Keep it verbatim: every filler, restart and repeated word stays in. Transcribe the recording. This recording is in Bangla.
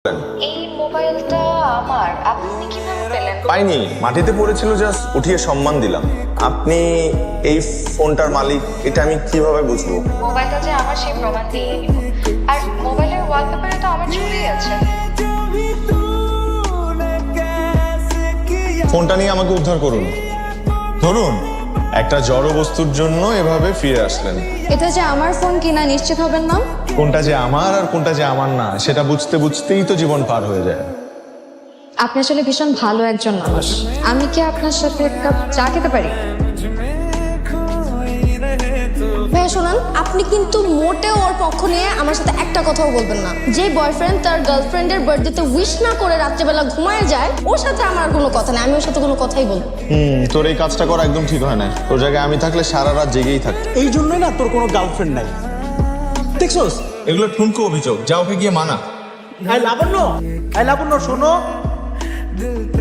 এই মোবাইলটা আমার, আপনি কিভাবে পেলেন? পাইনি, মাটিতে পড়েছিল, জাস্ট উঠিয়ে সম্মান দিলাম। আপনি এই ফোনটার মালিক এটা আমি কিভাবে বুঝবো? মোবাইলটা যে আমার সেই প্রমাণ দিয়ে নিব। আর মোবাইলের ওয়ালপেপারে তো আমার ছবি আছে। ফোনটা নিয়ে আমাকে উদ্ধার করুন। ধরুন, একটা জড় বস্তুর জন্য এভাবে ফিরে আসলেন। এটা যে আমার ফোন কিনা নিশ্চিত হবেন না? কোনটা যে আমার আর কোনটা যে আমার না সেটা বুঝতে বুঝতেই তো জীবন পার হয়ে যায়। আপনি আসলে ভীষণ ভালো একজন মানুষ। আমি কি আপনার সাথে এক কাপ চা খেতে পারি? ভাইয়া শোনান, আপনি কিন্তু মোটেও ওর পক্ষ নিয়ে আমার সাথে একটা কথাও বলবেন না। যে বয়ফ্রেন্ড তার গার্লফ্রেন্ডের বার্থডেতে উইশ না করে রাত্রেবেলা ঘুমায় যায়, ওর সাথে আমার কোনো কথা নেই। আমি ওর সাথে কোনো কথাই বলবো। হুম তোর এই কাজটা করা একদম ঠিক হয় না। তোর জায়গায় আমি থাকলে সারা রাত জেগেই থাকতাম। এই জন্যই না তোর কোনো গার্লফ্রেন্ড নাই, দেখছোস? এগুলো ঠুনকো অভিযোগ, যা ওকে গিয়ে মানা। আই লাবণ্য, আই লাবণ্য শোনো।